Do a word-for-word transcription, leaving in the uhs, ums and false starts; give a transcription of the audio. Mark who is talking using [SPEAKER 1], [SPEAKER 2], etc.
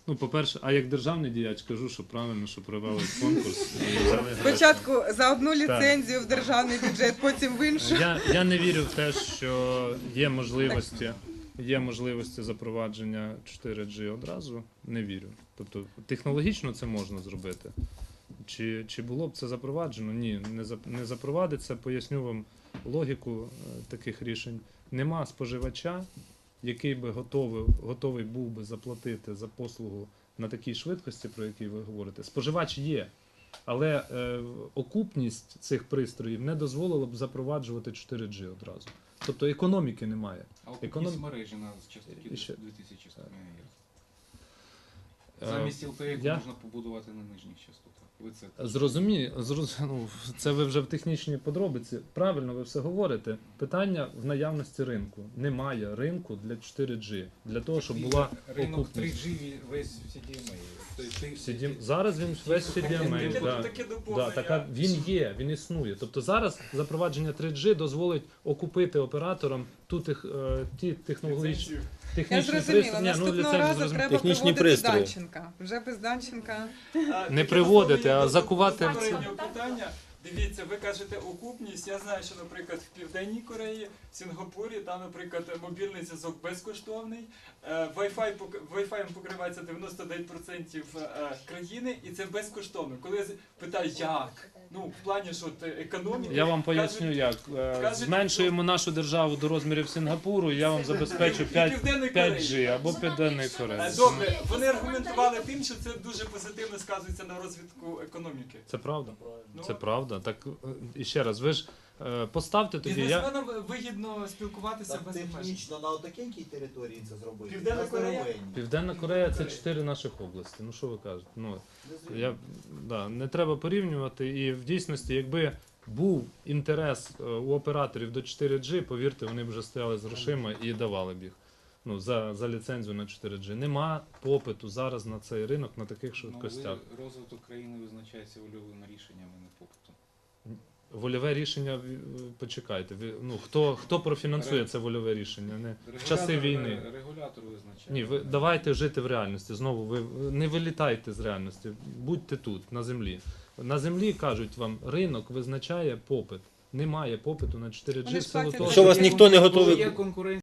[SPEAKER 1] Ну, по-перше, а як державний діяч кажу, що правильно, що провели конкурс. і взяли гроші.
[SPEAKER 2] Спочатку за одну ліцензію в державний бюджет, потім в іншу.
[SPEAKER 1] Я, я не вірю в те, що є можливості, є можливості запровадження чотири джі одразу. Не вірю. Тобто технологічно це можна зробити. Чи, чи було б це запроваджено? Ні, не, за, не запровадиться. Поясню вам логіку е, таких рішень. Нема споживача, який би готовий, готовий був би заплатити за послугу на такій швидкості, про які ви говорите. Споживач є, але е, окупність цих пристроїв не дозволила б запроваджувати чотири джі одразу. Тобто економіки немає.
[SPEAKER 3] А окупність
[SPEAKER 1] Економ...
[SPEAKER 3] мережі на частоті
[SPEAKER 1] Ще-
[SPEAKER 3] дві тисячі сто мегагерц.
[SPEAKER 1] Е,
[SPEAKER 3] Замість ел те і
[SPEAKER 1] я-
[SPEAKER 3] можна побудувати на нижніх частотах. Ви це
[SPEAKER 1] Зрозумі, зроз... ну, це ви вже в технічній подробиці. Правильно ви все говорите. Питання в наявності ринку. Немає ринку для чотири джі. Для того, щоб була
[SPEAKER 3] ринок три
[SPEAKER 1] окупність.
[SPEAKER 3] джі весь в сі ді ем ей. Тобто ти-
[SPEAKER 1] сі ді ем Зараз він весь сі ді ем ей.
[SPEAKER 4] Таке-
[SPEAKER 1] Да.
[SPEAKER 4] таке
[SPEAKER 1] Да,
[SPEAKER 4] доповнення.
[SPEAKER 1] така, він є, він існує. Тобто зараз запровадження три джі дозволить окупити операторам ту тех, е, ті технологічні
[SPEAKER 4] Ліцензію.
[SPEAKER 2] Я
[SPEAKER 1] технічні
[SPEAKER 2] зрозуміла,
[SPEAKER 1] пристрої. Ні, ну,
[SPEAKER 2] наступного
[SPEAKER 1] ліцензію
[SPEAKER 2] разу
[SPEAKER 1] зрозуміло.
[SPEAKER 2] треба
[SPEAKER 5] Технічні
[SPEAKER 2] приводити
[SPEAKER 5] пристрої.
[SPEAKER 2] Данченка. Вже без Данченка.
[SPEAKER 4] А,
[SPEAKER 1] Не
[SPEAKER 4] таке
[SPEAKER 1] приводити,
[SPEAKER 4] доповнення
[SPEAKER 1] а
[SPEAKER 4] до
[SPEAKER 1] закувати в це.
[SPEAKER 4] попереднього питання. Дивіться, ви кажете окупність. Я знаю, що, наприклад, в Південній Кореї, в Сінгапурі, там, наприклад, мобільний зв'язок безкоштовний. Е, Wi-Fi пок- Wi-Fi покривається дев'яносто дев'ять відсотків е, країни, і це безкоштовно. Коли я з- питаю, як? Ну, в плані, що от, економіки.
[SPEAKER 1] Я вам поясню,
[SPEAKER 4] кажуть,
[SPEAKER 1] як. Е,
[SPEAKER 4] кажуть,
[SPEAKER 1] Зменшуємо нашу державу до розмірів Сінгапуру, і я вам забезпечу
[SPEAKER 4] і
[SPEAKER 1] п'ять
[SPEAKER 4] Південної
[SPEAKER 1] п'ять
[SPEAKER 4] Кореї.
[SPEAKER 1] джі або Південної Кореї.
[SPEAKER 4] Е, Добре, вони аргументували тим, що це дуже позитивно сказується на розвитку економіки.
[SPEAKER 1] Це правда?
[SPEAKER 4] Ну,
[SPEAKER 1] Це правда. Так е, і ще раз, ви ж е, поставте тоді. Я...
[SPEAKER 4] Бізнесменам вигідно спілкуватися
[SPEAKER 6] Так
[SPEAKER 4] без обмежень.
[SPEAKER 6] технічно на отакенькій території це зробити.
[SPEAKER 4] Південна
[SPEAKER 6] На
[SPEAKER 4] Корея?
[SPEAKER 6] здоровенній.
[SPEAKER 1] Південна Корея це чотири наших області. Ну що ви кажете? Ну, я, да, не треба порівнювати. І в дійсності, якби був інтерес е, у операторів до чотири джі, повірте, вони б вже стояли з грошима і давали б їх. Ну, за, за ліцензію на чотири джі. Нема попиту зараз на цей ринок на таких швидкостях.
[SPEAKER 3] Ну, ви- розвиток країни визначається вольовими рішеннями, не попитом.
[SPEAKER 1] Вольове рішення, е, почекайте, ви, ну, хто, хто профінансує це вольове рішення? Не, в часи
[SPEAKER 3] Регулятор-
[SPEAKER 1] війни.
[SPEAKER 3] Регулятор визначає.
[SPEAKER 1] Ні, ви давайте жити в реальності. Знову ви не вилітайте з реальності, будьте тут, на землі. На землі кажуть вам, ринок визначає попит. Немає попиту на чотири джі
[SPEAKER 2] Вони
[SPEAKER 1] в
[SPEAKER 2] ж
[SPEAKER 1] силу
[SPEAKER 2] платять
[SPEAKER 1] того,
[SPEAKER 2] за
[SPEAKER 5] Що вас ніхто не
[SPEAKER 3] Коли
[SPEAKER 5] готовий
[SPEAKER 3] є конкуренція.